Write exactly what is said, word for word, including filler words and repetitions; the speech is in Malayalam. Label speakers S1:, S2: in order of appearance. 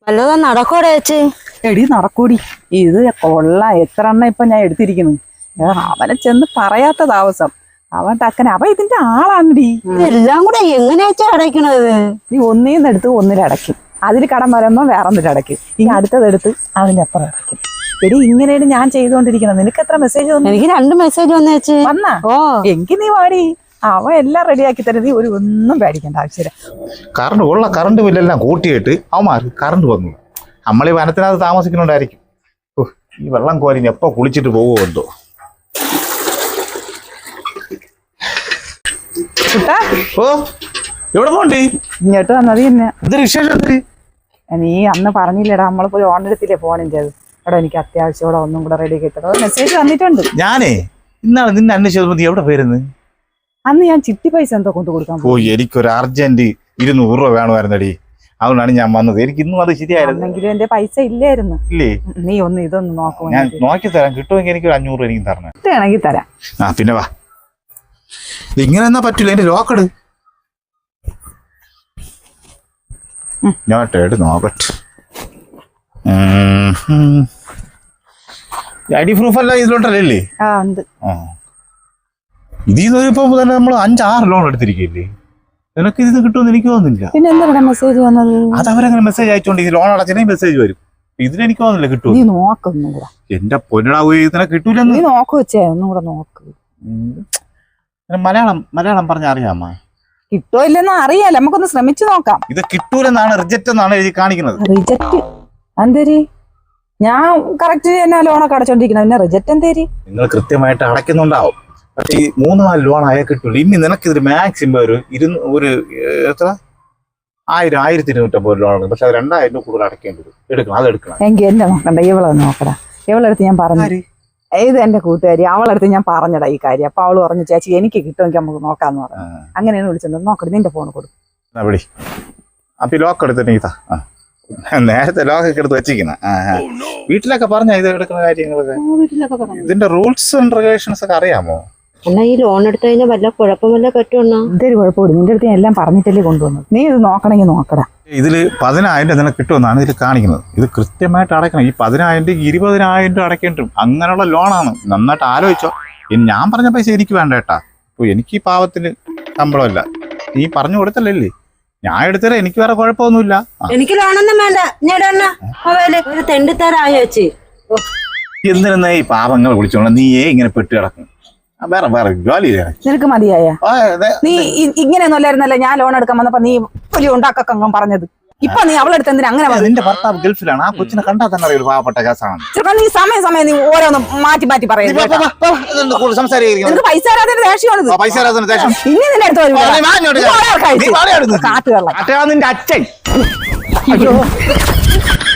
S1: വല്ലതും നടക്കോടെ ചേച്ചി?
S2: എടി നടക്കൂടി, ഇത് കൊള്ളാം. എത്ര എണ്ണ ഇപ്പൊ ഞാൻ എടുത്തിരിക്കുന്നു. അവനെ ചെന്ന് പറയാത്ത താമസം അവൻ ടക്കന അവ ഇതിന്റെ ആളാണടി.
S1: ഇതെല്ലാം കൂടെ എങ്ങനെയാ ചേച്ചി അടയ്ക്കണത്?
S2: നീ ഒന്നീന്ന് എടുത്ത് ഒന്നിലടയ്ക്കും, അതിൽ കടം വരുമ്പോ വേറൊന്നിലടയ്ക്കും, ഇനി അടുത്തതെടുത്ത് അതിന്റെ അപ്പുറം അടയ്ക്കും. എടി ഇങ്ങനെയാണ് ഞാൻ ചെയ്തുകൊണ്ടിരിക്കുന്നത്. നിനക്ക് എത്ര മെസ്സേജ് വന്നു?
S1: എനിക്ക് രണ്ട് മെസ്സേജ് വന്നു ചേച്ചി.
S2: വന്നാ? ഓ എങ്കിൽ നീ വാടി, അവൻ എല്ലാം റെഡിയാക്കി തരുന്നത്. നീ ഒരു ഒന്നും പേടിക്കേണ്ട ആവശ്യമില്ല.
S3: കറണ്ട് ഉള്ള കറണ്ട് ബില്ലെല്ലാം കൂട്ടിയിട്ട് അവന്മാർക്ക് കറണ്ട് വന്നു. നമ്മൾ ഈ വനത്തിനകത്ത് താമസിക്കുന്നുണ്ടായിരിക്കും. ഈ വെള്ളം കോരി എപ്പോ കുളിച്ചിട്ട് പോകുമോ എന്തോ. ഓ എവിടെ പോണ്ടി?
S2: ഇങ്ങോട്ട് വന്നത് തന്നെ.
S3: എന്തൊരു വിശേഷം?
S2: നീ അന്ന് പറഞ്ഞില്ലടാ, നമ്മളിപ്പോ ലോൺ എടുത്തില്ലേ ഫോണിൻ്റെ. അത് എടാ എനിക്ക് അത്യാവശ്യം ഒന്നും കൂടെ റെഡി ആക്കി മെസ്സേജ് വന്നിട്ടുണ്ട്.
S3: ഞാനേ ഇന്നാളെ നിന്നെ അന്വേഷിച്ചത് നീ എവിടെ പേരുന്ന്?
S2: അന്ന് ഞാൻ ചിട്ടി പൈസ എന്തോ കൊണ്ട് കൊടുക്കാൻ.
S3: ഓ എനിക്കൊരു അർജന്റ് ഇരുന്നൂറ് രൂപ വേണമായിരുന്നടി, അതുകൊണ്ടാണ് ഞാൻ വന്നത്. എനിക്ക് ഇന്നും അത് ശരിയായിരുന്നു.
S2: എങ്കിലും എന്റെ പൈസ ഇല്ലായിരുന്നു.
S3: ഇല്ലേ?
S2: നീ ഒന്ന് ഇതൊന്ന് നോക്കുമോ?
S3: ഞാൻ നോക്കി തരാം. കിട്ടുമെങ്കിൽ എനിക്ക് ഒരു അഞ്ഞൂറ് രൂപ എനിക്ക് തരണം.
S2: കിട്ടുകയാണെങ്കിൽ തരാം.
S3: ആ പിന്നെ വാ. ഇങ്ങനെ എന്നാ പറ്റില്ല, എന്റെ ലോക്കെട് ഞാട്ടേട് നോക്കട്ടെ. ഐ ഡി പ്രൂഫ് അല്ല ഇതിലോട്ടല്ലേ?
S2: ആ ഉണ്ട്.
S3: ആ ഇതിൽ ഇപ്പൊ തന്നെ നമ്മൾ അഞ്ചാറ് ലോൺ എടുത്തിരിക്കില്ലേ? നിനക്ക് ഇത് കിട്ടുമെന്ന് എനിക്ക് തോന്നുന്നില്ല.
S2: പിന്നെ എന്താ മെസ്സേജ് വന്നത്?
S3: അത് അവരങ്ങനെ മെസ്സേജ് അയച്ചോണ്ട് ഈ ലോൺ അടച്ചേ മെസ്സേജ് വരും. ഇതിനെനിക്ക് തോന്നുന്നില്ല കിട്ടും.
S2: നീ നോക്കൊന്നും കൂടെ.
S3: എന്റെ പൊന്നടാ, ഇതിനെ കിട്ടൂല.
S2: നീ നോക്ക് വെച്ചേ, ഒന്നും കൂടെ നോക്ക്.
S3: മലയാളം മലയാളം പറഞ്ഞ അറിയാമോ?
S2: കിട്ടോ ഇല്ലെന്ന് അറിയാലോ, നമുക്കൊന്ന് ശ്രമിച്ചു നോക്കാം.
S3: ഇത് കിട്ടൂലെന്നാണ്, റിജക്റ്റ് എന്നാണ് എഴുതി കാണിക്കുന്നത്.
S2: റിജക്റ്റ് എന്തേരി? ഞാൻ കറക്റ്റ് തന്നെ ലോണൊക്കെ അടച്ചോണ്ടിരിക്കുന്നത്, പിന്നെ റിജക്റ്റ് എന്തേരി?
S3: നിങ്ങൾ കൃത്യമായിട്ട് അടയ്ക്കുന്നുണ്ടാവും. പക്ഷെ ഈ മൂന്ന് നാല് ലോൺ ആയാൽ കിട്ടൂല. ഇനി നിനക്ക് ഇതിൽ മാക്സിമം ഒരു ഇരുന്ന് ഒരു എത്ര ആയിരം ആയിരത്തി ഇരുന്നൂറ്റമ്പത് ലോൺ ഉണ്ട്. പക്ഷെ അത് രണ്ടായിരം രൂപ കൂടുതൽ അടയ്ക്കേണ്ടത് എടുക്കണം. അത് എടുക്കണം.
S2: എങ്കിൽ എന്നെ നോക്കണ്ട, ഇവളെ നോക്കടാ. ഇവളെടുത്ത് ഞാൻ പറഞ്ഞു, ഇത് എന്റെ കൂട്ടുകാരി, അവളടുത്ത് ഞാൻ പറഞ്ഞടാ ഈ കാര്യം. അപ്പൊ അവള് പറഞ്ഞു ചേച്ചി എനിക്ക് കിട്ടുമെങ്കിൽ നമുക്ക് നോക്കാന്ന് പറഞ്ഞു. അങ്ങനെയാണ് വിളിച്ചത്. നോക്കട്ടെ, നിന്റെ ഫോൺ കൊടുക്കും.
S3: അപ്പൊ ലോക്ക് എടുത്തിട്ട് ഇതാ നേരത്തെ ലോക്കൊക്കെ എടുത്ത് വെച്ചിരിക്കുന്ന വീട്ടിലൊക്കെ പറഞ്ഞ ഇത് എടുക്കുന്ന കാര്യങ്ങളൊക്കെ. ഇതിന്റെ റൂൾസ് ആൻഡ് റെഗുലേഷൻസ് ഒക്കെ അറിയാമോ?
S1: എന്നാ ഈ ലോൺ എടുത്തു കഴിഞ്ഞാൽ വല്ല കുഴപ്പമല്ല പറ്റുമെന്നാ?
S2: എന്തൊരു കുഴപ്പമില്ല, നിന്റെ അടുത്ത് ഞാൻ എല്ലാം പറഞ്ഞിട്ടല്ലേ കൊണ്ടുവന്നത്. നീ ഇത് നോക്കണമെങ്കിൽ നോക്കടാ.
S3: ഇതില് പതിനായിരം രൂപ നിനക്ക് കിട്ടുമെന്നാണ് ഇതിൽ കാണിക്കുന്നത്. ഇത് കൃത്യമായിട്ട് അടയ്ക്കണം. ഈ പതിനായിരം രൂപ ഇരുപതിനായിരം രൂപ അടയ്ക്കേണ്ടും. അങ്ങനെയുള്ള ലോണാണ്. നന്നായിട്ട് ആലോചിച്ചോ. ഞാൻ പറഞ്ഞ പൈസ എനിക്ക് വേണ്ട കേട്ടാ. അപ്പൊ എനിക്ക് ഈ പാവത്തിന് ശമ്പളമല്ല, നീ പറഞ്ഞു കൊടുത്തല്ലേ. ഞാൻ എടുത്തരാ, എനിക്ക് വേറെ കുഴപ്പമൊന്നുമില്ല.
S1: എനിക്ക് ലോണൊന്നും വേണ്ട. ഒരു തെണ്ടിത്തരായോ ചേച്ചി?
S3: എന്തിനാ ഈ പാവങ്ങൾ വിളിച്ചോളാം? നീയേ ഇങ്ങനെ പെട്ട് കിടക്കും. വേറെ വേറെ ജോലി
S2: നിനക്ക് മതിയായ? നീ ഇങ്ങനെയൊന്നും അല്ലായിരുന്നല്ലേ ഞാൻ ലോൺ എടുക്കാൻ വന്നപ്പോ നീ വലിയ ഉണ്ടാക്കൊക്കെ പറഞ്ഞത്. ഇപ്പൊ നീ അവളെടുത്ത് എന്തിനാ അങ്ങനെ?
S3: നിന്റെ ഭർത്താവ് ഗൾഫിലാണ്. ആ കൊച്ചിനെ കണ്ടാൽ തന്നെ അറിയാം പാവപ്പെട്ട കേസാണ്.
S2: നീ സമയം സമയം നീ ഓരോന്ന് മാറ്റി മാറ്റി പറയുന്നത്. പൈസ
S3: പൈസ
S2: ഇനി നിന്റെ അടുത്ത് കാട്ടുകള
S3: നിന്റെ അച്ഛൻ.
S2: അയ്യോ